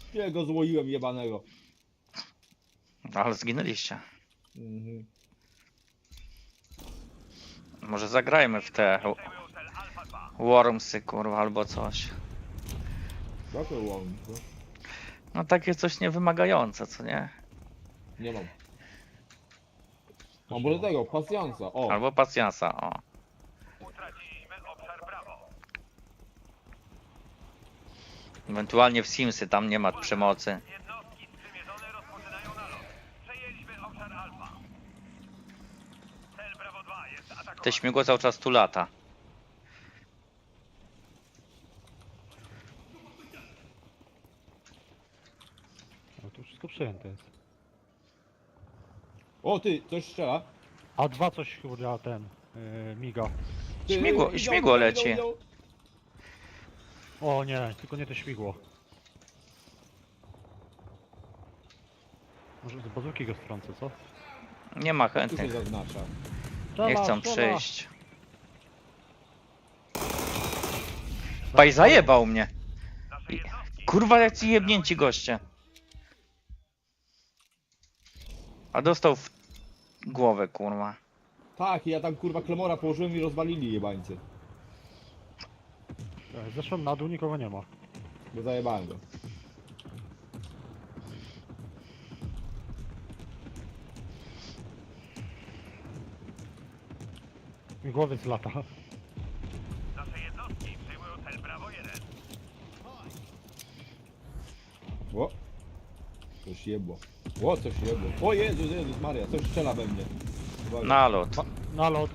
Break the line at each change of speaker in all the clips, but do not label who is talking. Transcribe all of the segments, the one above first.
Ja go złoiłem jebanego.
Ale zginęliście.
Mhm.
Może zagrajmy w te Wormsy, kurwa, albo coś.
Jakie łom, co?
No takie coś niewymagające, co nie?
Nie mam. Mam może tego, pasjansa. O,
Albo pacjansa, o. Ewentualnie w Simsy, tam nie ma przemocy. Te śmigło cały czas tu lata.
No to wszystko przejęte jest.
o ty, coś strzela.
A dwa coś chyba ten miga.
Ty,
Śmigło leci.
O nie, tylko nie to śmigło. Może z bazuki go strącę, co?
Nie ma
Tu się
chętnych.
zaznacza.
Nie chcą
Strzela.
przyjść. Paj zajebał mnie. Kurwa, jak ci jebnięci goście. A dostał w głowę, kurwa.
Tak, ja tam kurwa klemora położyłem i rozwalili jebańcy.
Zeszłem na dół, nikogo nie ma.
Bo zajebałem go.
Mi głowiec lata.
O! Coś jebło. O, coś jebło. O Jezus, Jezus Maria, coś strzela we mnie. Uwaga.
Nalot.
Nalot.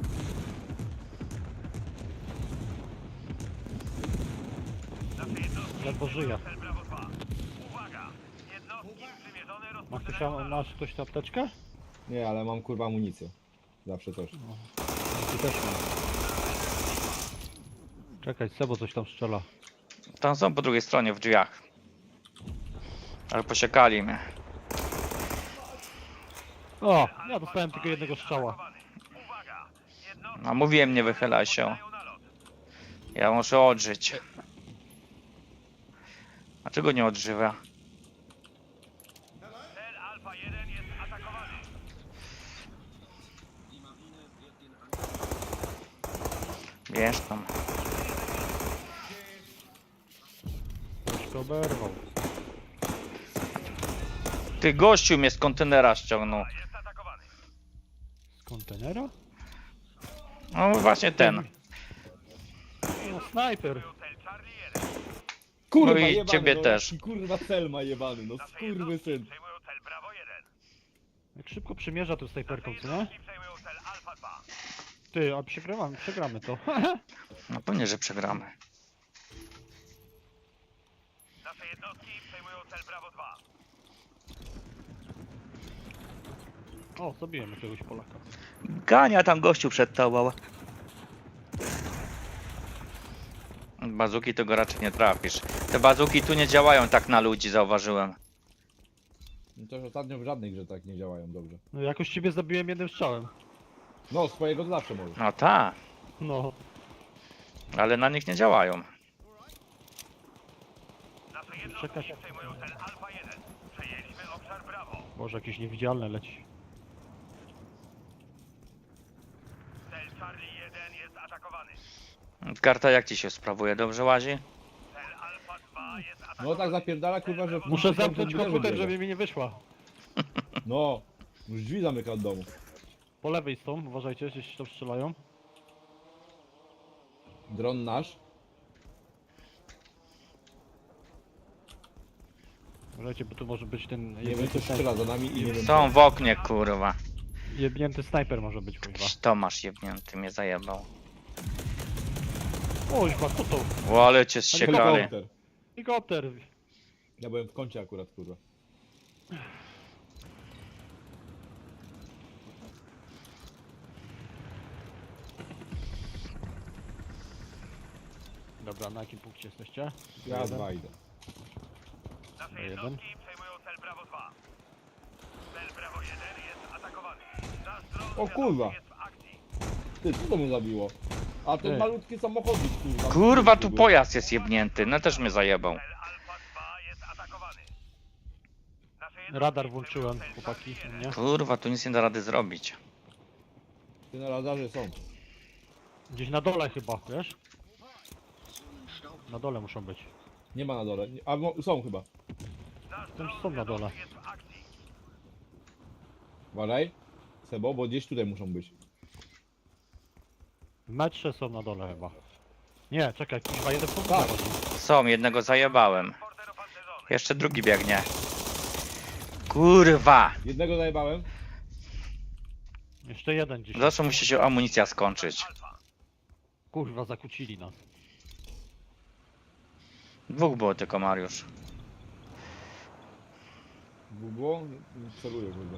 Ledwo żyje. Masz ktoś tę apteczkę?
Nie, ale mam kurwa amunicję. Zawsze coś.
Ty też mam. Czekaj, Sebo coś tam strzela.
Tam są po drugiej stronie w drzwiach. Ale posiekali mnie.
O! Ja dostałem tylko jednego strzała.
A mówiłem, nie wychylaj się. Ja muszę odżyć. Dlaczego nie odżywa? Wiesz tam.
Troszkę oberwał.
Ty gościu mnie z kontenera ściągnął.
Z kontenera?
No właśnie ten.
No, snajper.
Kurwa
No i
jebany,
ciebie
no,
też.
jaki kurwa Selma jebany, no skurwysyn.
Jak szybko przymierza tą snajperką, co nie? Ty, a przegramy to.
No pewnie, że przegramy.
O, zabiłem jakiegoś Polaka.
Gania tam gościu przed tobą. Bazuki to go raczej nie trafisz. Te bazuki tu nie działają tak na ludzi, zauważyłem.
No to już ostatnio w żadnej grze tak nie działają dobrze.
No jakoś ciebie zabiłem jednym strzałem.
No, swojego to zawsze możesz.
No tak,
No.
ale na nich nie działają.
Czekaj. Boże, jakieś niewidzialne leci.
Karta jak ci się sprawuje? Dobrze łazi?
No tak zapierdala kurwa, że...
Muszę zamknąć
komputer
komputer,
biega.
żeby mi nie wyszła.
No, już drzwi zamyka od domu.
Po lewej są, uważajcie, jeśli się tam strzelają.
Dron nasz.
Uważajcie, bo tu może być ten
Nie wiem, co strzela za nami i nie wiem...
Są w oknie, kurwa.
jebnięty snajper może być, kurwa.
Tomasz jebnięty mnie zajebał.
O, chyba co to?
O, ale cię zsiekali.
Helikopter.
Helikopter.
Ja byłem w kącie akurat kurwa.
Dobra, na jakim punkcie jesteście?
Ja
Jeden.
dwa idę.
Jeden.
O kurwa! Ty, co to mnie zabiło? A ten
Ty.
malutki samochodzik kurwa.
Kurwa, tu pojazd jest jebnięty. No też mnie zajebał.
Radar włączyłem, chłopaki, nie?
Kurwa, tu nic nie da rady zrobić.
Ty na radarze są.
Gdzieś na dole chyba, wiesz? Na dole muszą być.
Nie ma na dole. A są chyba.
Tam są na dole.
Uważaj. Sebo, bo gdzieś tutaj muszą być.
W metrze są na dole chyba. Nie, czekaj, kurwa, jeden punkt
Tak.
zachodzi.
Są, jednego zajebałem. Jeszcze drugi biegnie. Kurwa!
Jednego zajebałem.
Jeszcze jeden gdzieś.
Zawsze musi się amunicja skończyć.
Kurwa, zakłócili nas.
Dwóch było tylko, Mariusz.
Było? Nie celuję, kurwa.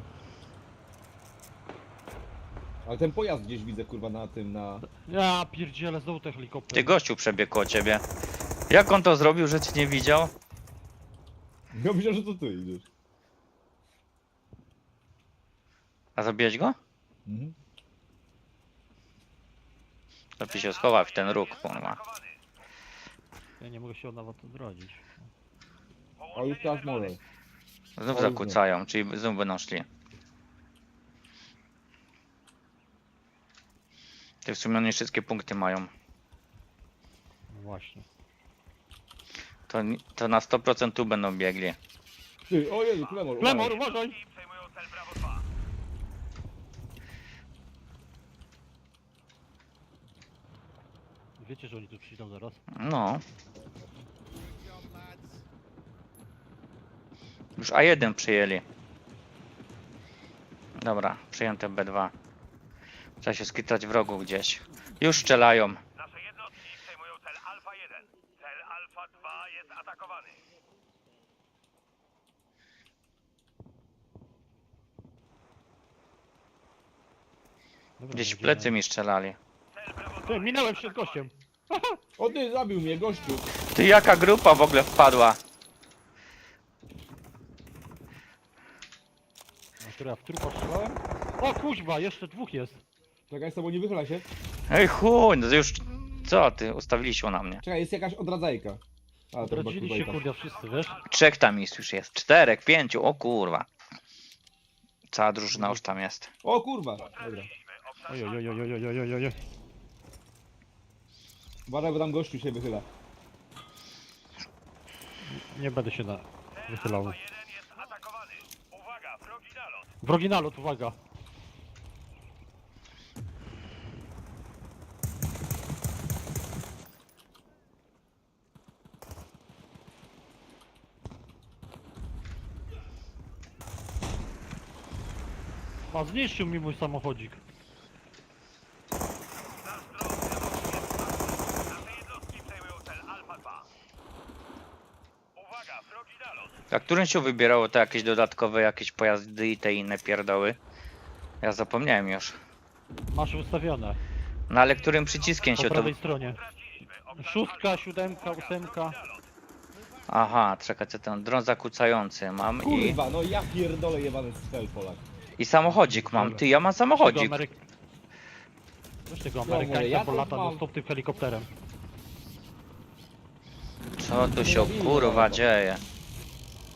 Ale ten pojazd gdzieś widzę, kurwa, na tym, na...
Ja pierdzielę, znowu ten helikopter.
Ty gościu przebiegł koło ciebie. Jak on to zrobił, że cię nie widział?
Ja myślałem, że to ty idziesz.
A zabiłeś go?
Mhm.
Lepiej się schował w ten róg, kurwa.
Ja nie mogę się nawet odrodzić.
O, już teraz może.
Znów
O,
zakłócają, czyli znów będą szli. Ty w sumie oni wszystkie punkty mają.
No właśnie.
To na 100% tu będą biegli.
Ty, o Jezu, Klemor.
Klemor,
uważaj.
uważaj! Wiecie, że oni tu przyjdą zaraz?
No. Już A1 przyjęli. Dobra, przyjęte B2. Trzeba się skitrać w rogu gdzieś. Już strzelają.
Nasze jednostki przejmują cel Alfa 1. Cel Alfa 2 jest atakowany.
Dobra,
Gdzieś w
będziemy-
plecy mi strzelali.
Ty, minąłem się z gościem!
O ty, zabił mnie, gościu.
Ty, jaka grupa w ogóle wpadła?
A który ja w trupa strzelałem? O kuźwa, jeszcze dwóch jest!
Czekaj, Sebo, nie wychyla się.
Ej chuj, no to już... Co ty? Ustawili się na mnie.
Czekaj, jest jakaś odradzajka. A, to chyba
Odradzili się
kurwa i
kurde wszyscy, wiesz?
3 tam już jest. 4, 5, o kurwa. Cała drużyna już tam jest.
O kurwa. Dobra.
Oj, oj, oj, oj, oj, oj, oj, oj, oj.
Uważaj, bo tam gościu się wychyla.
Nie będę się wychylał.
1 jest atakowany. Uwaga, wrogi nalot.
Wrogi nalot, uwaga! A zniszczył mi mój samochodzik.
Nasze jednostki przejmują cel Alfa 2. Uwaga, wrogi nalot.
A którym się wybierało te jakieś dodatkowe jakieś pojazdy i te inne pierdoły? Ja zapomniałem już.
Masz ustawione.
No ale którym przyciskiem
Po
się to...
prawej stronie. 6, 7, 8.
Aha, czekaj, co ten dron zakłócający mam
Kurwa, no ja pierdolę jebany stel Polak.
i samochodzik mam. Ty, ja mam samochodzik.
Weź tego
mówię,
Amerykańca,
ja
bo
to
lata
mam.
non stop tym helikopterem.
Co tu się kurwa dzieje?